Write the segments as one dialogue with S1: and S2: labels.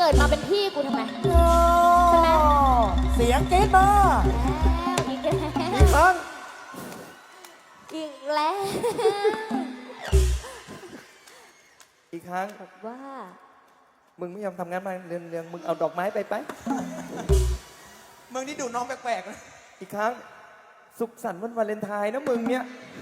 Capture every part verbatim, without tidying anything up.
S1: กิดมาเป็นพี่กูทำไม
S2: โอ้เสียงกรี๊ดมา
S1: แล้วอีกแล้ว
S2: อีกครั้ง
S1: อีกแล้ว
S3: อีกครั้ง
S1: บอกว่า
S3: มึงไม่ยอมทำงานมาเรื่องๆมึงเอาดอกไม้ไปไป
S4: มึงนี่ดูน้องแปลกๆนะ
S3: อีกครั้ง สุขสันต์วันวาเลนไทน์นะมึงเนี่ย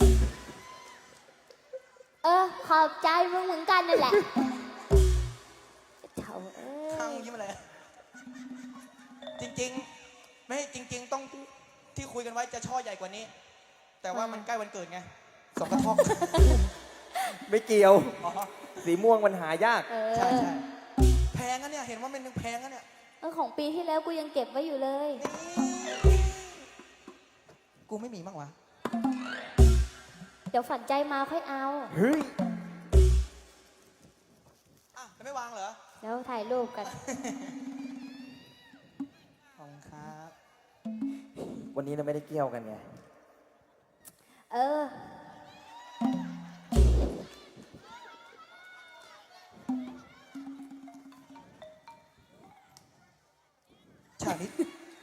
S1: เออขอบใจมึงเหมือนกันนั่นแหละเถ่าเอ้
S4: ข้าง
S1: ย
S4: ยิ้มอะไรจริงๆ ไม่จริง ๆ ต้องที่คุยกันไว้จะช่อใหญ่กว่านี้ แต่ว่ามันใกล้วันเกิดไงสองกระทอก
S3: ไม่เกี่ยว
S4: อ๋อ
S3: สีม่วงมันหายาก
S1: เออ
S4: ใช่ใช่แพงอะเนี่ยเห็นว่ามันแพงอะเนี่ย
S1: เออของปีที่แล้วกูยังเก็บไว้อยู่เลย
S4: นี่กูไม่มีบ้างวะ
S1: เดี๋ยวฝันใจมาค่อยเอา
S3: เฮ้ย
S4: อ่ะแล้วไม่วางเหรอ
S1: แล้วถ่ายรูปกัน
S4: ขอบคุณครับ
S3: วันนี้เราไม่ได้เกี่ยวกันไง
S1: เออ
S4: ฉากนี้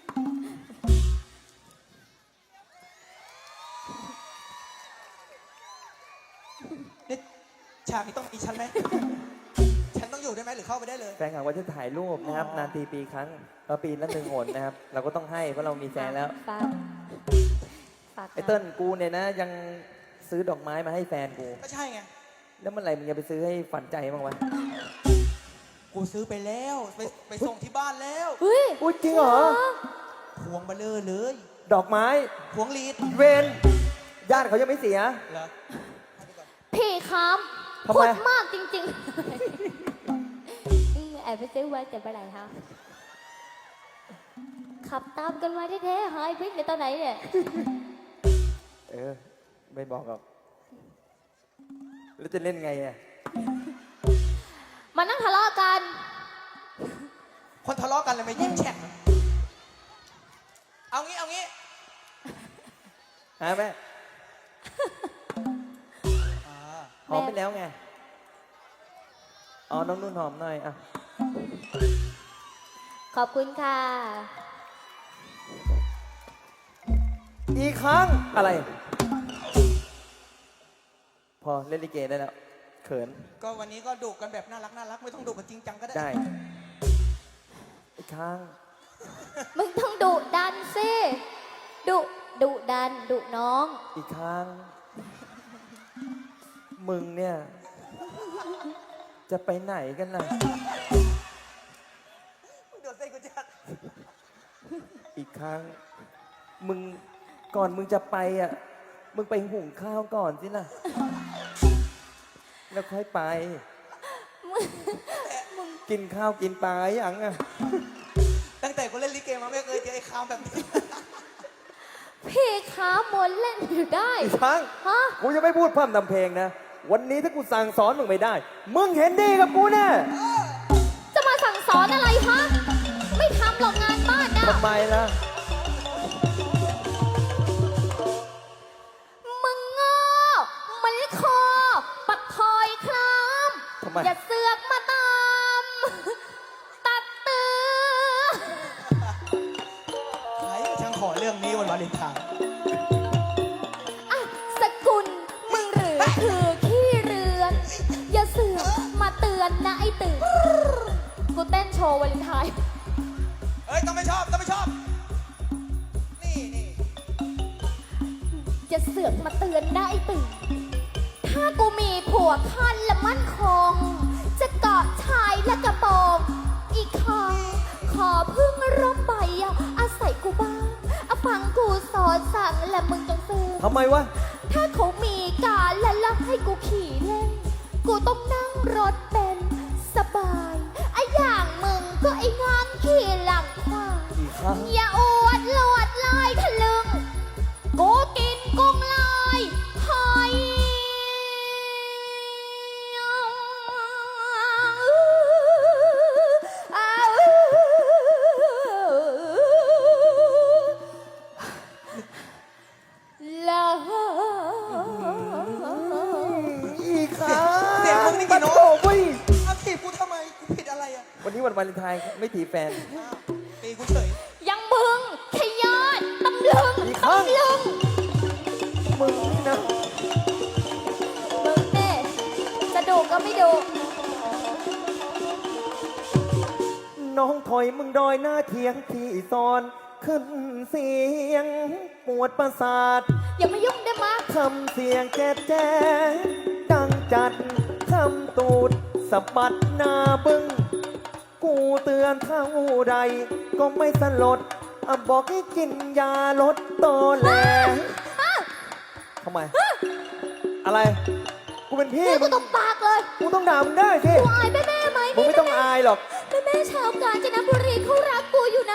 S4: นี่ฉากนี้ต้องมีฉันไหมฉันต้องอยู่ได้ไหมหรือเข้าไปได้เลย
S3: แฟนคลับว่าจะถ่ายรูปนะครับ นานทีปีครั้งเออปีละหนึ่งหนนะครับ เราก็ต้องให้เพราะเรามีแฟนแล้ว
S1: ฝากฝาก
S3: ไอ้เติ้ลกูเนี่ยนะ ยังซื้อดอกไม้มาให้แฟนกู
S4: ก็ใช่ไง
S3: แล้วเมื่อไหร่มึงจะไปซื้อให้ฝันใจบ้างวะ
S4: กูซื้อไปแล้วไปไปส่งที่บ้านแล้ว
S1: เฮ้ย
S3: อุ๊ยจริงเหรอ
S4: พวงเบลเลอร์เลย
S3: ดอกไม้
S4: พวงลีด
S3: เวนญาติเขายังไม่เสีย
S4: เหรอ
S1: พี่ครับ
S3: ทำ
S1: พู
S3: ไม
S1: ดมากจริงๆอืมแอบไปซื้อไว้แต่เมื่อไหร่คะขับตามกันมาแท้ๆหายพริกในตอนไหนเนี่ย
S3: เออ ไม่บอกหรอกแล้วจะเล่นไงอ่ะ
S1: มานั่งทะเลาะกัน
S4: คนทะเลาะกันเลยมายิ้มแฉ่งเอางี้เอางี้
S3: ฮะแม่
S4: อ่า
S3: หอมไปแล้วไง อ๋อ น้องนุ่นหอมหน่อย อ่ะ
S1: ขอบคุณค่ะ
S3: อีกครั้ง อะไร พอเล่นลิเกได้แล้ว เขิน
S4: ก็วันนี้ก็ดุกันแบบน่ารักน่ารักไม่ต้องดุกันจริงจังก็ได้
S3: ได้ อีกครั้ง
S1: มึงต้องดุดันสิดุดุดันดุน้อง
S3: อีกครั้ง มึงเนี่ย จะไปไหนกันล่ะ
S4: มึงเดือดเส้นกูจัด
S3: อีกครั้ง มึง ก่อนมึงจะไปอ่ะ มึงไปหุงข้าวก่อนสินะแล้วค่อยไป กินข้าวกินปลาอย่างอ่ะ
S4: ตั้งแต่กูเล่นลิเกมาไม่เคยเจอไอ้คามแบบนี้
S1: พี่ขามนเล่นอยู่ได้
S3: อีกครั้ง
S1: ฮะ
S3: กูจะไม่พูดพร่ำทำเพลงนะ วันนี้ถ้ากูสั่งสอนมึงไม่ได้ มึงเห็นดีกับกูแน่
S1: จะมาสั่งสอนอะไรฮะ ไม่ทำหรอกงานบ้านนะ
S3: ทำไมล่ะ
S1: มึงโง่มันคอปัดทอยคลาม
S3: ทำไม
S1: อย่าเสือกมาตาม ตัดเตือ
S4: ใครช่างขอเรื่องนี้วันวาเลนไทน์
S1: อ่ะสกุลมึงหรือคือขี้เรือน อย่าเสือกมาเตือนนะไอ้ตื่นกูเต้นโชว์วาเลนไทน์
S4: เอ้ยต้องไม่ชอบต้องไม่ชอบ นี่นี่
S1: จะเสือกมาเตือนได้ตื่น ถ้ากูมีผัวคันและมั่นคง จะเกาะชายและกระโปรงอีกครั้งขอพึ่งร่มใบอะอาศัยกูบ้างอะฟังกูสอนสั่งและมึงจงซื้อ
S3: ทำไมวะ
S1: ถ้าเขามีการและลักให้กูขี่เล่น กูต้องนั่งรถเป็นสบายไอะอย่างมึงก็ไอ้งานขี่หลังควาย
S3: อีกครั้ง
S1: อย่าอวดลวดลายทะลึงกูกินกุ้งลายหอยลา
S3: อีกครั้ง
S4: เสียงมึงนี่กี่โน้ต
S3: โอ้ยวันวาเลนไทน์ไม่ถีบแฟน
S4: อ้าวตีกูเฉย
S1: ยังมึงขยอดตำลึง
S3: อีกครั้ง
S1: ตำลึง
S3: มึงนี่นะ
S1: มึงเน่จะดูก็ไม่ดู
S3: น้องถอยมึงดอยหน้าเทียงที่ซอน ขึ้นเสียง ปวดประสาท
S1: อย่ามายุ่งได้มั้ย
S3: ทำเสียงแจ๊ดแจ๊ดดังจัดทำตูดสะบัดหน้าบึ้ง กูเตือนเท่าใดก็ไม่สลดอะบอกให้กินยาลดตอแหลทำไม อะไร กูเป็นพี่
S1: นี่กู
S3: มึง
S1: ตบปากเลย
S3: กูต้องด่ามึงได้สิ
S1: กูอายแม่แม่ไหม
S3: มึงไม่ต้องอายหรอก
S1: แม่แม่ชาวกาญจนบุรีเขารักกูอยู่นะ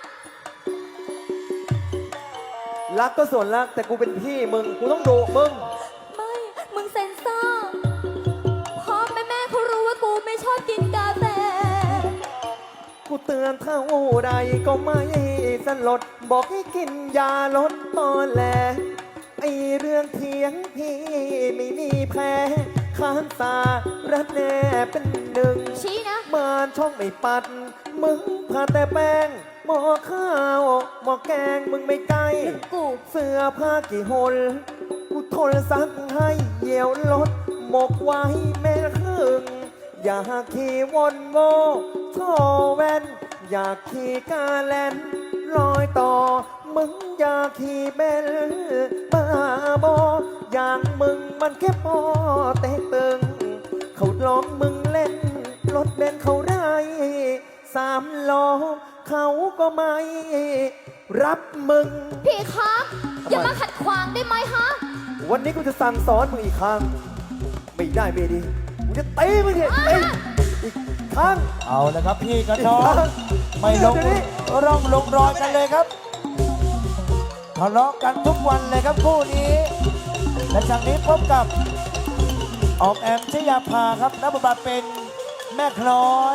S3: รักก็ส่วนรัก แต่กูเป็นพี่มึง กูต้องดุมึง
S1: ไม่ มึงเซ็นเซอร์เพราะแม่แม่เขารู้ว่ากูไม่ชอบกินกาแฟ
S3: กูเตือนเท่าใดก็ไม่สลด บอกให้กินยาลดตอแหลไอเรื่องเถียงพี่ไม่มีแพ้ข้างสาระแน่เป็นหนึ่ง
S1: ชี้นะ
S3: มานช่องไม่ปัด มึงพาแต่แป้ง หม้อข้าวหม้อแกงมึงไม่ใกล้
S1: กู
S3: เสื้อผ้ากี่หนกูทนซักให้เหี่ยวลด หมกไว้แม่ครึ่ง อยากขี่วนโวท่อแว่น อยากขี่กาแลนลอยต่อ มึงอยากขี่เบลบ้าบออย่างมึงมันแค่พอเตะตึง เขาล้อมมึงเล่น รถเบนเขาได้สามล้อเขาก็ไม่ รับมึง
S1: พี่ครับอย่ามาขัดขวางได้ไหมฮะ
S3: วันนี้กูจะสั่งสอนมึงอีกครั้ง ไม่ได้ไม่ดีกูจะตีมึงเนี่ยตีอีกครั้ง
S2: เอาละครับพี่กับน้อง ไม่ลง
S3: เดี๋ยวนี้
S2: ร่องลงรอยกันเลยครับทะเลาะกันทุกวันเลยครับคู่นี้ และจากนี้พบกับออกแอมชยาภาครับนักบทบาทเป็นแม่คล้อย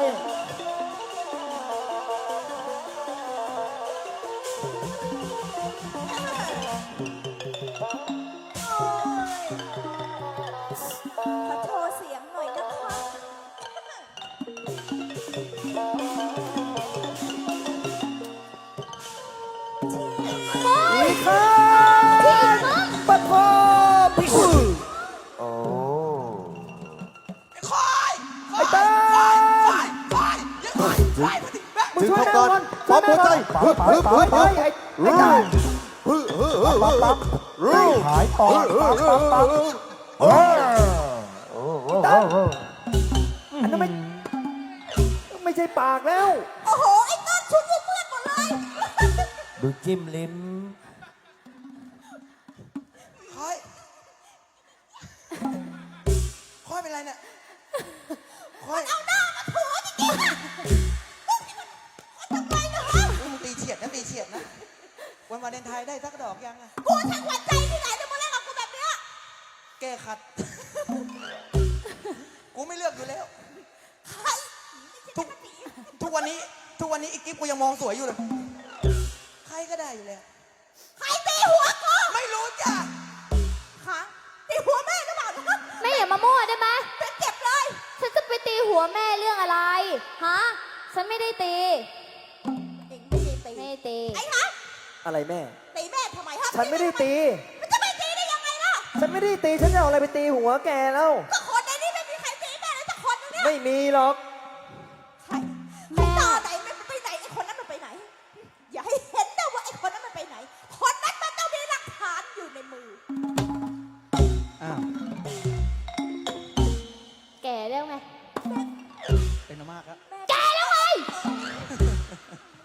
S5: ขอโชว์เสียงหน่อยนะคะ
S3: อีกครั้งปะโทพี่อุ้ยโอ้
S4: ไอ้คอย
S3: ไอ้เต้ย
S4: คอยคอยอย่าคอยคอยมาดิแม่
S3: มึงช่วยแม่ก่อนช่วยแม่ก่อน
S2: ฮึบฮึบฮึบ
S3: เฮ้ยไอ้ไอ้เต้ย
S2: ปั๊บปั๊บหายปอดปั๊บปั๊บปั๊บโอ้โห
S3: อันนั้นไม่ไม่ใช่ปากแล้ว
S5: โอ้โห ไอ้ต้นชุดกูเปื้อนหมดเลย
S2: ดูจิ้มลิ้ม
S4: คอยคอยเป็นไรเนี่ยคอย
S5: เอาหน้ามาถูจริงๆอะทำไมเนาะ
S4: มึงตีเฉียดนะตีเฉียดนะ วันวาเลนไทน์ได้สักดอกยังอะ
S5: กูทั้งหัวใจที่ไหนจะมาเล่นกับกูแบบเนี้ย
S4: แก้ขัด กูไม่เลือกอยู่แล้ว
S5: ใคร
S4: ทุกทุกวันนี้ ทุกวันนี้อีกกิ๊บกูยังมองสวยอยู่เลย ใครก็ได้อยู่แล้ว
S5: ใครตีหัวกู
S4: ไม่รู้จ้ะ
S5: ฮะตีหัวแม่หรือเปล่านะ
S1: แม่อย่ามามั่วได้ไหม
S5: ฉันเจ็บเลย
S1: ฉันจะไปตีหัวแม่เรื่องอะไร ฮะ ฉันไม่ได้ตี
S5: เองไม่ได้ตี
S1: ไม่ได้ตี
S5: ไอ้ฮะ
S3: อะไรแม่
S5: ตีแม่ทำไมฮะ
S3: ฉันไม่ได้ตี
S5: มันจะไม่ตีได้ยังไงล่ะ
S3: ฉันไม่ได้ตี ฉันจะเอาอะไรไปตีหัวแกแล้ว
S5: ก็คนในนี้ไม่มีใครตีแม่เลยสักคนนึงเนี่ย
S3: ไม่มีหรอก
S5: ใครใครต่อไหนมันไปไหนไอ้คนนั้นมันไปไหน อย่าให้เห็นนะว่าไอ้คนนั้นมันไปไหน คนนั้นมันต้องมีหลักฐานอยู่ในมือ
S4: อ้าว
S1: แก่แล้วไง
S4: เป็นมากครับ
S1: แก่แล้วไง